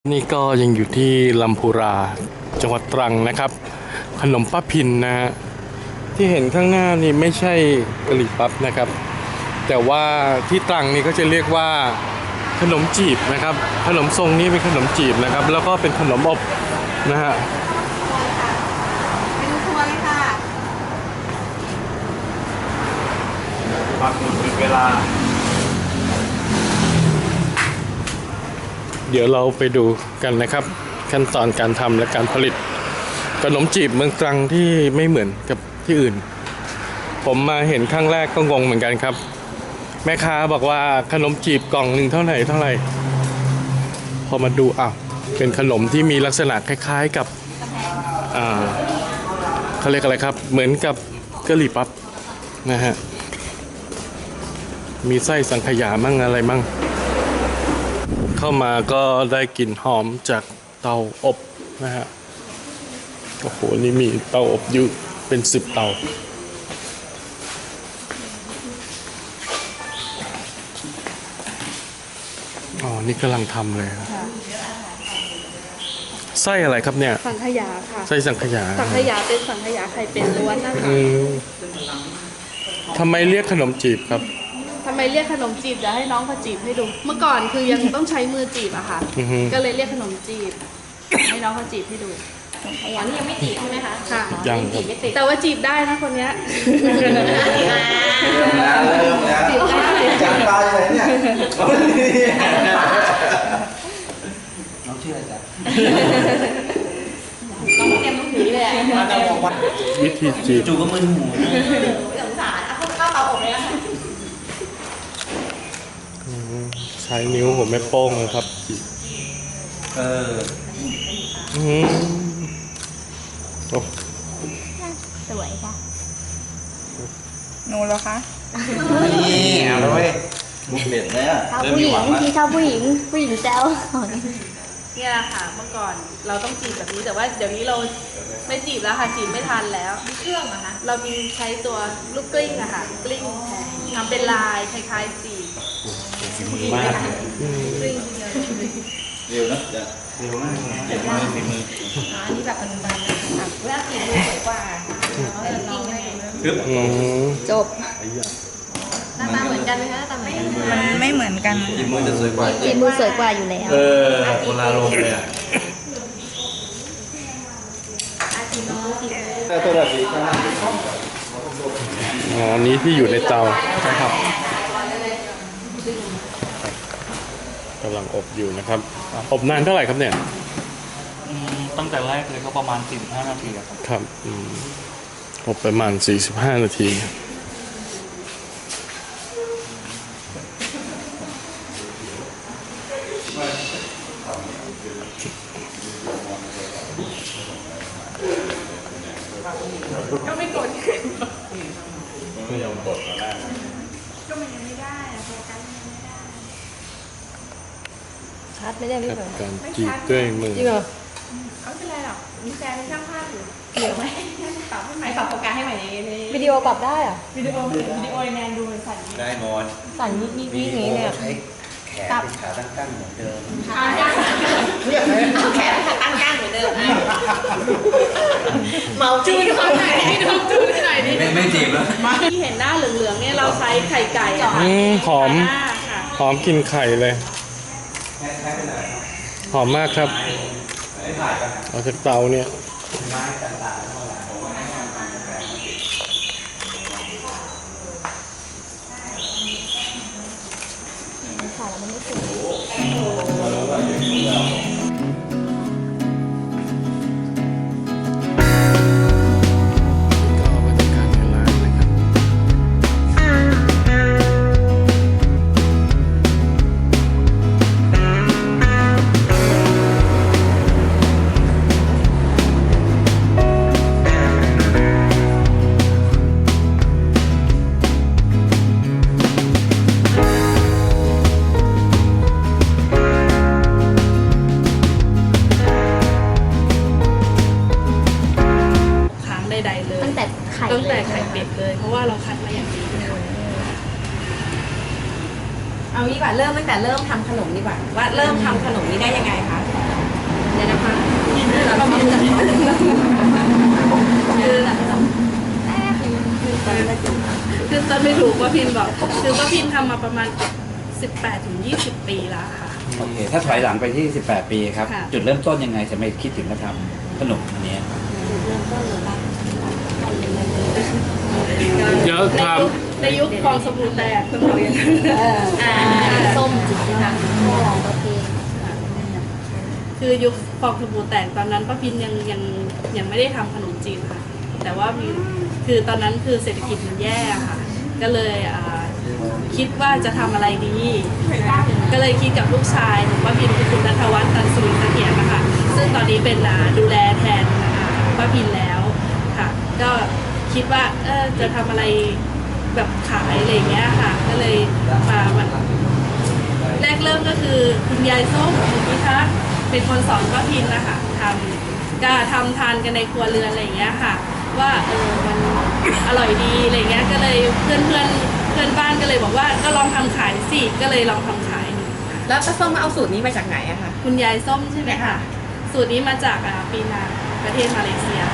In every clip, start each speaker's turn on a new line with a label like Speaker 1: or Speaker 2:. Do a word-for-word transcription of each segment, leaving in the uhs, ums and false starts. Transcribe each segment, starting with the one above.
Speaker 1: นี่ก็ยังอยู่ที่ลำพูราจังหวัดตรังนะครับ ขนมป้าพินนะฮะที่เห็นข้างหน้านี่ไม่ใช่กะหรี่ปั๊บนะครับ แต่ว่าที่ตรังนี่ก็จะเรียกว่าขนมจีบนะครับ ขนมทรงนี้เป็นขนมจีบนะครับ แล้วก็เป็นขนมอบนะฮะ
Speaker 2: เป็นทัวร์เลยค่ะ
Speaker 1: ปักหมุดเป็นเวลาเดี๋ยวเราไปดูกันนะครับขั้นตอนการทำและการผลิตขนมจีบเมืองตรังที่ไม่เหมือนกับที่อื่นผมมาเห็นครั้งแรกก็งงเหมือนกันครับแม่ค้าบอกว่าขนมจีบกล่องหนึ่งเท่าไหร่เท่าไหร่พอมาดูอ้าวเป็นขนมที่มีลักษณะคล้ายๆกับอ่าเขาเรียกอะไรครับเหมือนกับกะหรี่ปั๊บนะฮะมีไส้สังขยามั่งอะไรมั่งเข้ามาก็ได้กลิ่นหอมจากเตาอบนะฮะโอ้โหนี่มีเตาอบอยู่เป็นสิบเตาอ๋อนี่กำลังทำเลยครับไส้อะไรครับเนี่ย
Speaker 2: สังขยาค่ะ
Speaker 1: ไส้สังขยา
Speaker 2: สังขยาเป็นสังขยาไข่เป็นล้วนนะคะ
Speaker 1: ทำไมเรียกขนมจีบครับ
Speaker 2: ทำไมเรียกขนมจีบเดี๋ยวให้น้องเขาจีบให้ดูเมื่อก่อนคือยังต้องใช้มือจีบอะค่ะก็เลยเรียกขนมจีบให้น้องเขาจีบให้ดู
Speaker 3: ขยันนี่ยังไม่จีบใช่ไหมคะ
Speaker 2: ค่ะ
Speaker 1: ยัง
Speaker 3: จีบไม่ติด
Speaker 2: แต่ว่าจีบได้นะคนเนี้ย
Speaker 4: เริ่มแล้วเริ่มแล้วจีบได้จังตาเลยเนี่ยน้องชื่ออะไรจ๊ะ
Speaker 3: ต้องเตรียมลูกหนีเลย
Speaker 1: วิธีจีบ
Speaker 4: จูก็มึนหู
Speaker 3: สงสารเอาเข้าเตาอบเลยนะคะ
Speaker 1: ใช้นิ้วผมไม่โป้งเลยครับ
Speaker 4: เออ
Speaker 1: อืมโอ้
Speaker 3: สวยค่ะ
Speaker 2: หนูเหรอคะ
Speaker 4: นี่เอาเลยเว้ยมุกเด็ดเลยอ่ะ
Speaker 3: ชอบผู้หญิงที่ชอบผู้หญิงผู้หญิงแซว
Speaker 2: เนี่ยแหละค่ะเมื่อก่อนเราต้องจีบแบบนี้แต่ว่าเดี๋ยวนี้เราไม่จีบแล้วค่ะจีบไม่ทันแล้ว
Speaker 3: มีเครื่องเหรอคะ
Speaker 2: เรามีใช้ตัวลูกกลิ้งอะค่ะกลิ้งทำเป็นลายคล้ายๆจีบ
Speaker 1: มาก
Speaker 2: กลิ้ง
Speaker 4: เร็วนะเร็วมากเจ็บมือฝีมือ
Speaker 3: อ๋อนี่แบบปัจจุบันนะคะเวลาจีบมือสวยกว่าน้องเลย
Speaker 2: จบ
Speaker 3: หน้าตาเหมือนกันไหมคะหน้าตาเหมือนกัน
Speaker 2: มันไม่เหมือนกัน
Speaker 4: จีบมือจะสวยกว่า
Speaker 3: จีบมือสวยกว่าอยู่แล้ว
Speaker 4: เออคนละลงเลยอ่ะตัวแบบนี้
Speaker 1: อ๋อนี้ที่อยู่ในเตาใช่ครับกำลังอบอยู่นะครับอบนานเท่าไหร่ครับเนี่ย
Speaker 5: ตั้งแต่แรกเลยก็ประมาณสี่สิบห้านาทีครับ
Speaker 1: ครับอบประมาณสี่สิบห้านาที
Speaker 2: ก็ไม่กด
Speaker 1: ไม่ยอมกดตอนแรก
Speaker 2: ก็มันยังไม่ได้โฟกัสยังไม่ได้
Speaker 3: ชัดไม่ได้พี่ฝน
Speaker 1: การจีบด้วยมือ
Speaker 3: จริงเหรอ
Speaker 2: เอาไม่เป็นไรหรอกมีแฟนเป็นช่างภาพอยู่เกี่ยวไหมปรับให้ใหม่
Speaker 3: ปรับโฟกัสให้ใหม่ในวิดีโอปรับได้อะ
Speaker 2: วิดีโอวิดีโอแนนดูสั่น
Speaker 4: ได้หมด
Speaker 3: สั่นยิบยิบยิบอย่างนี้เลย
Speaker 4: ใช้แขนเป็นขาตั้งๆเหมือนเดิม
Speaker 3: แขนขาตั้งๆเหมือนเดิมเมา
Speaker 2: จูนคนไหนให้ดูจูนหน่อยดิ
Speaker 4: ไม่ไม่จีบแล้ว
Speaker 2: ที่เห็นหน้าเหลืองๆเนี่ยเราใช้ไข่ไก่
Speaker 1: หอมหอมกินไข่เลยหอมมากครับเอาจากเตาเนี่ย
Speaker 3: ค่ะแล้วมันไม่สุก
Speaker 2: ตั้งแต่ไข่เป็ดเลยเพราะว่าเราคัดมาอย่างดี
Speaker 3: เอางี้ดีกว่าเริ่มตั้งแต่เริ่มทำขนมดีกว่าว่าเริ่มทำขนมนี้ได้ยังไงคะ
Speaker 2: พินบอกคือป้าพินทำมาประมาณสิบแปดถึงยี่สิบปีแล้วค่ะ
Speaker 6: โอเค ถ้าถอยหลังไปที่ สิบแปด ปีครับ
Speaker 2: ค่ะ
Speaker 6: จุดเริ่มต้นยังไงจะไม่คิดถึงมาทำขนมอันนี้
Speaker 1: เดี๋ยว
Speaker 2: ใน
Speaker 1: ถาม
Speaker 2: ยุคในยุคฟองสบู่แตกคุณบอกอย่างนั้น
Speaker 3: อ่าส้มจิ๋วนะคะโอเค
Speaker 2: คือยุคฟองสบู่แตกตอนนั้นป้าพินยังยังยังไม่ได้ทำขนมจีนค่ะ แต่ว่ามีคือตอนนั้นคือเศรษฐกิจมันแย่ค่ะ ก็เลยอ่าคิดว่าจะทำอะไรดี ก็เลยคิดกับลูกชายของป้าพินคือคุณณัฐวัฒน์ตันสุริเสถียรนะคะซึ่งตอนนี้เป็นอ่าดูแลแทนอ่าป้าพินแล้วค่ะ ก็คิดว่าเออจะทำอะไรแบบขายอะไรอย่างเงี้ยค่ะ ก็เลยมามาแรกเริ่มก็คือคุณยายส้มคุณพิทักษ์เป็นคนสอนป้าพินนะคะทำก็ทำทานกันในครัวเรือนอะไรอย่างเงี้ยค่ะ ว่าเออมันอร่อยดีอะไรเงี้ยก็เลยเพื่อนเพื่อนเพื่อนบ้านก็เลยบอกว่าก็ลองทำขายสิก็เลยลองทำขาย
Speaker 3: แล้วป้าส้มเอาสูตรนี้มาจากไหนอะคะ
Speaker 2: คุณยายส้มใช่ไหมคะสูตรนี้มาจากอ่าปีนังประเทศมาเลเซีย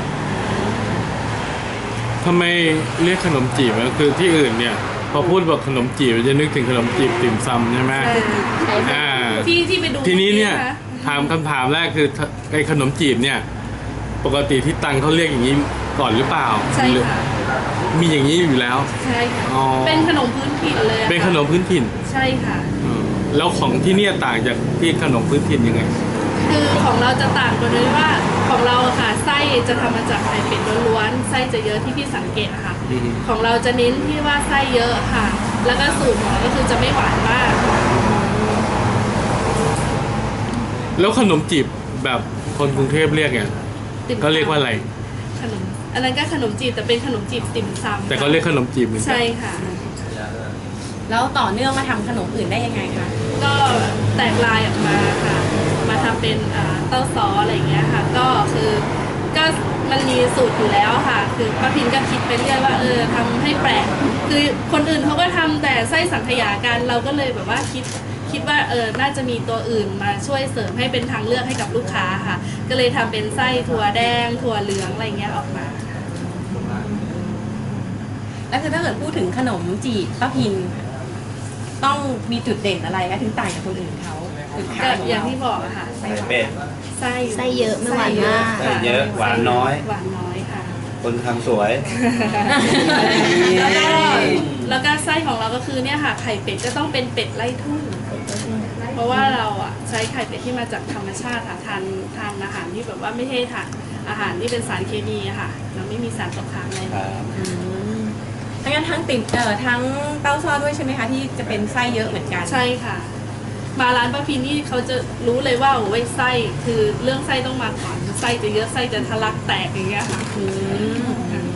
Speaker 1: ทำไมเรียกขนมจีบอะคือที่อื่นเนี่ยพอพูดบอกขนมจีบจะนึกถึงขนมจีบติ่มซำใช่ไหมอ่า
Speaker 2: ที่ที่ไปดู
Speaker 1: ทีนี้เนี่ย
Speaker 2: ะคะ
Speaker 1: ถามคำถามแรกคือไอ้ขนมจีบเนี่ยปกติที่ตังเขาเรียกอย่างนี้ก่อนหรือเปล่า
Speaker 2: ใช่
Speaker 1: หรือ
Speaker 2: ค่ะ
Speaker 1: มีอย่างนี้อยู่แล้ว
Speaker 2: ใช่ค่ะ
Speaker 1: อ๋อ
Speaker 2: เป็นขนมพื้นถิ่นเลยอะค่ะ
Speaker 1: เป็นขนมพื้นถิ่น
Speaker 2: ใช่ค่ะ
Speaker 1: อืมแล้วของที่เนี่ยต่างจากที่ขนมพื้นถิ่นยังไง
Speaker 2: คือของเราจะต่างกันเลยว่าของเราอะค่ะไส้จะทำมาจากไข่เป็ดล้วนๆไส้จะเยอะที่พี่สังเกตอะค่ะ
Speaker 1: อือฮึ
Speaker 2: ของเราจะเน้นที่ว่าไส้เยอะค่ะ แล้วก็สูตรของเราก็คือจะไม่หวานมาก
Speaker 1: แล้วขนมจีบแบบคนกรุงเทพเรียกไง
Speaker 2: ติ่มซำ
Speaker 1: ก็เรียกว่าอะไร
Speaker 2: ขนมอันนั้นก็ขนมจีบแต่เป็นขนมจีบติ่มซำ
Speaker 1: แต่ก็เรียกขนมจีบเหมือนกั
Speaker 2: ใช่ค่ะ
Speaker 3: แล้วต่อเนื่องมาทำขนมอื่นได้ยังไงคะ
Speaker 2: ก็แตกลายออกมาค่ะ มาทำเป็นอ่าเต้าซอสอะไรอย่างเงี้ยค่ะ ก็คือก็มันมีสูตรอยู่แล้วค่ะ คือป้าพินก็คิดไปเรื่อยว่าเออทำให้แปลก คือคนอื่นเขาก็ทำแต่ไส้สังขยากัน เราก็เลยแบบว่าคิดคิดว่าเออน่าจะมีตัวอื่นมาช่วยเสริมให้เป็นทางเลือกให้กับลูกค้าค่ะ ก็เลยทำเป็นไส้ถั่วแดง ถั่วเหลืองอะไรเงี้ยออกมา
Speaker 3: แล้วคือถ้าเกิดพูดถึงขนมจีบป้าพิน ต้องมีจุดเด่นอะไรคะถึงต่างจากคนอื่นเขาจุดขา
Speaker 2: ก็
Speaker 3: ยของ
Speaker 2: อย่าง
Speaker 3: เรา
Speaker 2: ที่บอกอะค่ะ
Speaker 6: ไข่เป็ด
Speaker 2: ไส้
Speaker 3: ไส้เยอะไม่หวานมาก
Speaker 6: ไส้เยอะหวานน้อย
Speaker 2: หวานน้อยค่ะ
Speaker 6: คนทำสวย
Speaker 2: แล้วก็แล้วก็ไส้ของเราก็คือเนี่ยค่ะไข่เป็ดก็ต้องเป็นเป็ดไล่ทุ่งเพราะว่าเราอ่ะใช้ไข่เป็ดที่มาจากธรรมชาติค่ะทานทานอาหารที่แบบว่าไม่ใช่ทานอาหารที่เป็นสารเคมีอะค่ะเราไม่มีสารตกค้างอะไรเลย
Speaker 3: ทั้งนั้นทั้งติ่มเอ่อทั้งเต้าซ้อด้วยใช่ไหมคะที่จะเป็นไส้เยอะเหมือนกัน
Speaker 2: ใช่ค่ะ มาร้านป้าพินนี่เขาจะรู้เลยว่าโอ้ยไส้คือเรื่องไส้ต้องมาก่อนไส้จะเยอะไส้จะทะลักแตกอย่างเงี้ยค่ะ
Speaker 3: อืม